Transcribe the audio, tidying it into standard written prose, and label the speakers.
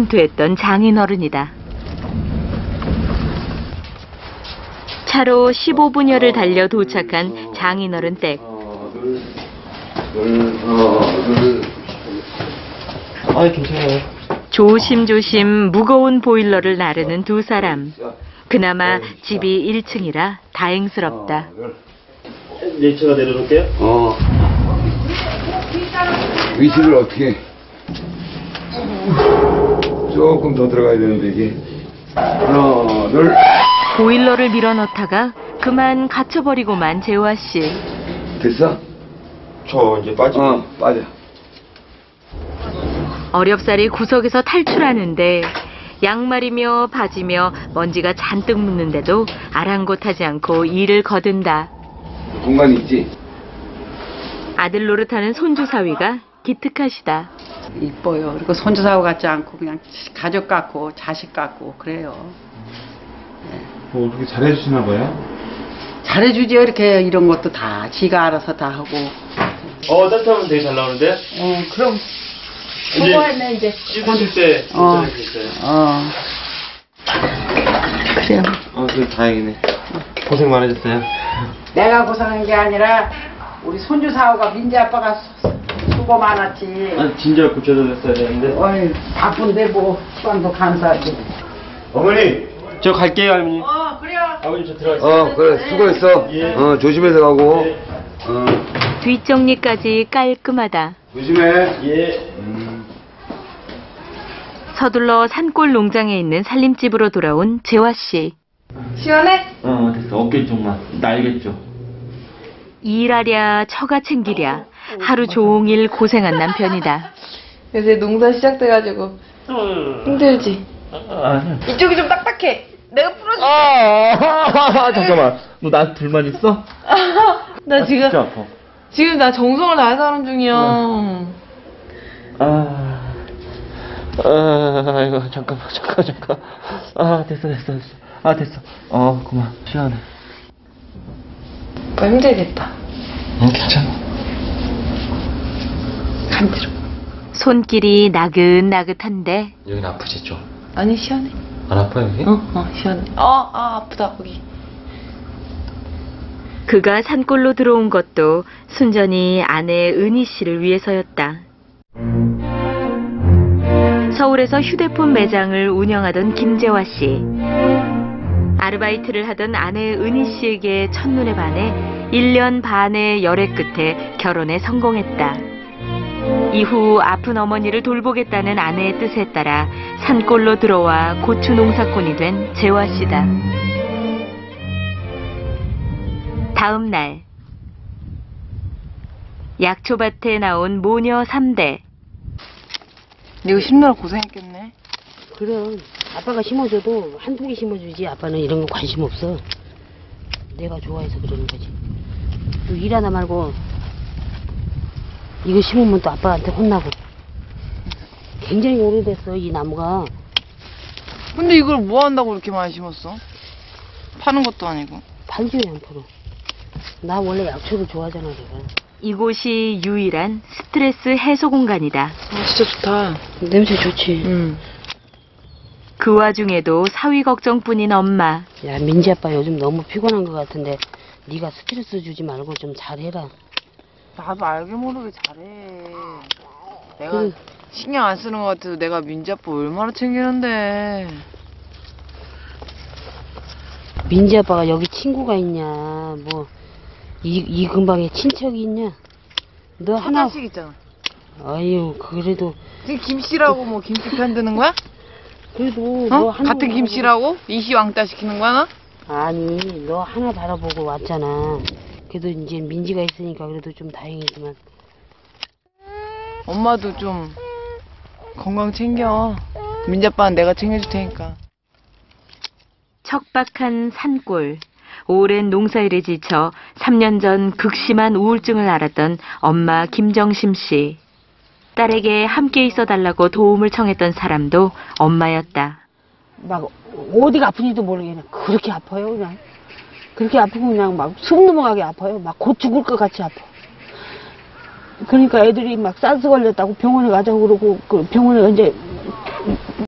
Speaker 1: 성토했던 장인어른이다. 차로 15분여를 달려 도착한 장인어른 댁.
Speaker 2: 괜찮아요.
Speaker 1: 조심조심 무거운 보일러를 나르는 두 사람. 그나마 집이 1층이라 다행스럽다.
Speaker 2: 네, 제가 내려놓을게요.
Speaker 3: 위치를 어떻게 조금 더 들어가야 되는데 이게 하나 둘.
Speaker 1: 보일러를 밀어넣다가 그만 갇혀버리고만 재화씨.
Speaker 3: 됐어?
Speaker 2: 저 이제 빠져.
Speaker 3: 빠져.
Speaker 1: 어렵사리 구석에서 탈출하는데 양말이며 바지며 먼지가 잔뜩 묻는데도 아랑곳하지 않고 일을 거둔다.
Speaker 3: 공간이 있지?
Speaker 4: 아들 노릇하는 손주 사위가 기특하시다.
Speaker 5: 이뻐요. 그리고 손주 사위 같지 않고 그냥 가족 같고 자식 같고 그래요.
Speaker 2: 뭐 그렇게 잘해주시나 봐요?
Speaker 5: 잘해주죠. 이렇게 이런 것도 다 지가 알아서 다 하고.
Speaker 2: 따뜻하면 되게 잘 나오는데?
Speaker 5: 그럼
Speaker 2: 수고했네 이제. 씻으실 때 괜찮을 수 있어요.
Speaker 5: 그래요.
Speaker 2: 그래 다행이네. 고생 많으셨어요.
Speaker 5: 내가 고생한 게 아니라 우리 손주 사위가 민지 아빠가 수고 많았지.
Speaker 2: 진작 고쳐줬어야 되는데.
Speaker 5: 어이 바쁜데 뭐 시간도 감사하지.
Speaker 2: 어머니 저 갈게요 할머니.
Speaker 5: 그래요.
Speaker 2: 아버님 저 들어가세요.
Speaker 3: 그래 수고했어.
Speaker 2: 예.
Speaker 3: 조심해서 가고.
Speaker 2: 예.
Speaker 1: 뒷정리까지 깔끔하다.
Speaker 3: 조심해.
Speaker 2: 예.
Speaker 1: 서둘러 산골 농장에 있는 살림집으로 돌아온 재화씨.
Speaker 4: 시원해?
Speaker 2: 됐어. 어깨 쪽만. 날겠죠.
Speaker 1: 일하랴 처가 챙기랴 하루 종일 고생한 남편이다.
Speaker 4: 요새 농사 시작돼가지고 힘들지? 이쪽이 좀 딱딱해. 내가 풀어줄게.
Speaker 2: 잠깐만. 너 나한테 불만 있어?
Speaker 4: 나 지금
Speaker 2: 진짜 아파.
Speaker 4: 지금 나 정성을 다해서 하는 중이야.
Speaker 2: 이거 잠깐. 됐어. 됐어. 그만. 시원해.
Speaker 4: 오빠 힘들겠다.
Speaker 2: 괜찮아.
Speaker 4: 간지러.
Speaker 1: 손길이 나긋나긋한데
Speaker 2: 여긴 아프지 좀?
Speaker 4: 아니 시원해.
Speaker 2: 안 아파 여기?
Speaker 4: 시원해. 아프다 거기.
Speaker 1: 그가 산골로 들어온 것도 순전히 아내 은희 씨를 위해서였다. 서울에서 휴대폰 매장을 운영하던 김재화 씨. 아르바이트를 하던 아내 은희 씨에게 첫눈에 반해 1년 반의 열애 끝에 결혼에 성공했다. 이후 아픈 어머니를 돌보겠다는 아내의 뜻에 따라 산골로 들어와 고추 농사꾼이 된 재화 씨다. 다음 날 약초밭에 나온 모녀 3대.
Speaker 4: 이거 심느라 고생했겠네.
Speaker 6: 그럼 아빠가 심어줘도 한두 개 심어주지 아빠는 이런 거 관심 없어. 내가 좋아해서 그러는 거지. 또 일하다 말고 이거 심으면 또 아빠한테 혼나고. 굉장히 오래됐어 이 나무가.
Speaker 4: 근데 이걸 뭐 한다고 이렇게 많이 심었어? 파는 것도 아니고.
Speaker 6: 팔지 왜 안 팔어. 나 원래 약초를 좋아하잖아 내가.
Speaker 1: 이곳이 유일한 스트레스 해소 공간이다.
Speaker 4: 진짜 좋다.
Speaker 6: 냄새 좋지.
Speaker 1: 그 와중에도 사위 걱정뿐인 엄마.
Speaker 6: 야 민지 아빠 요즘 너무 피곤한 것 같은데 네가 스트레스 주지 말고 좀 잘해라.
Speaker 4: 나도 알게 모르게 잘해. 내가 신경 안 쓰는 것 같아도 내가 민지 아빠 얼마나 챙기는데.
Speaker 6: 민지 아빠가 여기 친구가 있냐 뭐 이 근방에 친척이 있냐. 너
Speaker 4: 하나씩 있잖아.
Speaker 6: 아유 그래도
Speaker 4: 지금 김씨라고 뭐 김씨 편드는 거야?
Speaker 6: 그래도 너 하나
Speaker 4: 같은 김씨라고? 이씨 왕따 시키는 거야 나?
Speaker 6: 아니 너 하나 바라보고 왔잖아. 그래도 이제 민지가 있으니까 그래도 좀 다행이지만.
Speaker 4: 엄마도 좀 건강 챙겨. 민지 아빠는 내가 챙겨줄 테니까.
Speaker 1: 척박한 산골. 오랜 농사일에 지쳐 3년 전 극심한 우울증을 앓았던 엄마 김정심 씨. 딸에게 함께 있어달라고 도움을 청했던 사람도 엄마였다.
Speaker 6: 막 어디가 아픈지도 모르겠네. 그렇게 아파요 그냥. 그렇게 아프고 그냥 막 숨 넘어가게 아파요. 막 곧 죽을 것 같이 아파. 그러니까 애들이 막 사스 걸렸다고 병원에 가자고 그러고 그 병원에 이제